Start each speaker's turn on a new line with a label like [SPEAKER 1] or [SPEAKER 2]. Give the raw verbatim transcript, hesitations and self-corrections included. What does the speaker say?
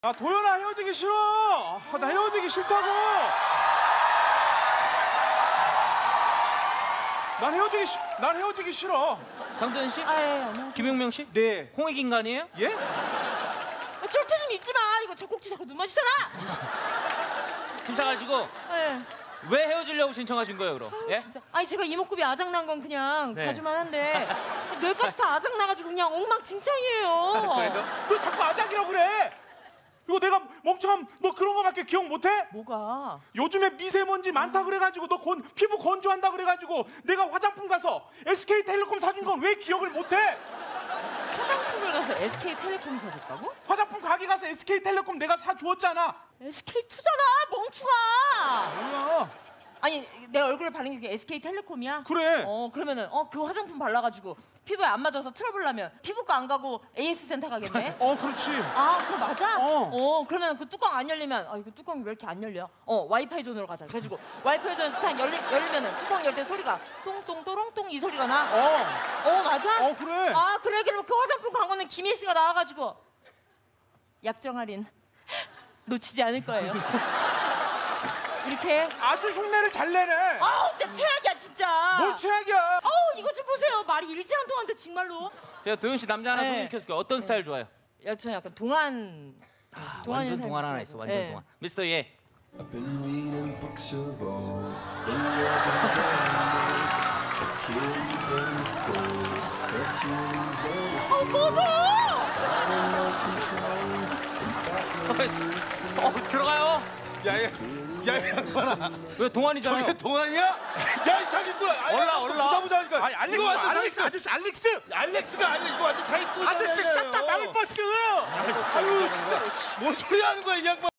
[SPEAKER 1] 아 도연아 헤어지기 싫어. 아, 나 헤어지기 싫다고. 난 헤어지기 싫. 난 헤어지기 싫어.
[SPEAKER 2] 장도연 씨?
[SPEAKER 3] 아, 예, 안녕하세요.
[SPEAKER 2] 김용명 씨?
[SPEAKER 1] 네.
[SPEAKER 2] 홍익 인간이에요?
[SPEAKER 1] 예?
[SPEAKER 3] 어, 쫄트 좀 입지 마. 이거 제 꼭지 자꾸 눈 마주잖아.
[SPEAKER 2] 침착하시고
[SPEAKER 3] 예.
[SPEAKER 2] 왜 헤어지려고 신청하신 거예요, 그럼?
[SPEAKER 3] 아유,
[SPEAKER 2] 예?
[SPEAKER 3] 진짜. 아니 제가 이목구비 아작난 건 그냥
[SPEAKER 2] 네.
[SPEAKER 3] 봐주만 한데 뇌까지 다 아작나가지고 그냥 엉망진창이에요.
[SPEAKER 2] 그래요?
[SPEAKER 1] 너 자꾸 아작이라고 그래. 이거 내가 멍청함 너 그런 거밖에 기억 못해?
[SPEAKER 3] 뭐가?
[SPEAKER 1] 요즘에 미세먼지 많다 그래가지고 너 건, 피부 건조한다 그래가지고 내가 화장품 가서 에스케이텔레콤 사준 건 왜 기억을 못해?
[SPEAKER 3] 화장품을 가서 에스케이텔레콤 사줬다고?
[SPEAKER 1] 화장품 가게 가서 에스케이텔레콤 내가 사주었잖아.
[SPEAKER 3] 에스케이투잖아 멍충아.
[SPEAKER 1] 뭐야?
[SPEAKER 3] 아니 내 얼굴에 바른 게 에스케이텔레콤이야?
[SPEAKER 1] 그래.
[SPEAKER 3] 어 그러면은 어 그 화장품 발라가지고 피부에 안 맞아서 트러블 나면 피부과 안 가고 에이에스 센터 가겠네?
[SPEAKER 1] 어 그렇지.
[SPEAKER 3] 아 그거 맞아?
[SPEAKER 1] 어.
[SPEAKER 3] 어 그러면 그 뚜껑 안 열리면 아 이거 뚜껑이 왜 이렇게 안 열려? 어 와이파이 존으로 가자. 그래가지고 와이파이 존 스탄 열리, 열리면은 뚜껑 열 때 소리가 똥똥 또롱똥 이 소리가 나?
[SPEAKER 1] 어.
[SPEAKER 3] 어 맞아?
[SPEAKER 1] 어 그래.
[SPEAKER 3] 아 그래 그럼 그 화장품 광고는 김혜 씨가 나와가지고 약정 할인 놓치지 않을 거예요. 이렇게
[SPEAKER 1] 아주 흉내를 잘 내네.
[SPEAKER 3] 아우 진짜 최악이야 진짜.
[SPEAKER 1] 뭘 최악이야.
[SPEAKER 3] 아우 이거 좀 보세요. 말이 일지 않동한데 정말로.
[SPEAKER 2] 제가 도연 씨 남자 하나
[SPEAKER 3] 네.
[SPEAKER 2] 소개시켜줄게요. 어떤 스타일 좋아해요?
[SPEAKER 3] 야, 저는 약간 동안
[SPEAKER 2] 아,
[SPEAKER 3] 동안
[SPEAKER 2] 완전
[SPEAKER 3] 인사를
[SPEAKER 2] 동안 하나
[SPEAKER 3] 좋아해서.
[SPEAKER 2] 있어. 완전
[SPEAKER 3] 네.
[SPEAKER 2] 동안. 미스터 예.
[SPEAKER 4] I've been reading books of old, the legends and myths, Achilles and his gold, Hercules and his
[SPEAKER 3] 어 꺼져!
[SPEAKER 4] Spider knows control, and Batman is the
[SPEAKER 2] 어, 들어가요.
[SPEAKER 1] 야야. 야야 양반아.
[SPEAKER 2] 왜 동안이잖아요.
[SPEAKER 1] 저게 동안이야? 야 이 사기꾼.
[SPEAKER 2] 올라, 올라.
[SPEAKER 1] 보자보자니까. 아니 알렉스.
[SPEAKER 5] 이거 완전
[SPEAKER 1] 알렉스 아저씨 알렉스.
[SPEAKER 5] 알렉스가 아니라 이거 완전 사기꾼.
[SPEAKER 1] 아저씨 샷다 망을 버스. 아유 진짜.
[SPEAKER 5] 뭔 소리 하는 거야 이 양반.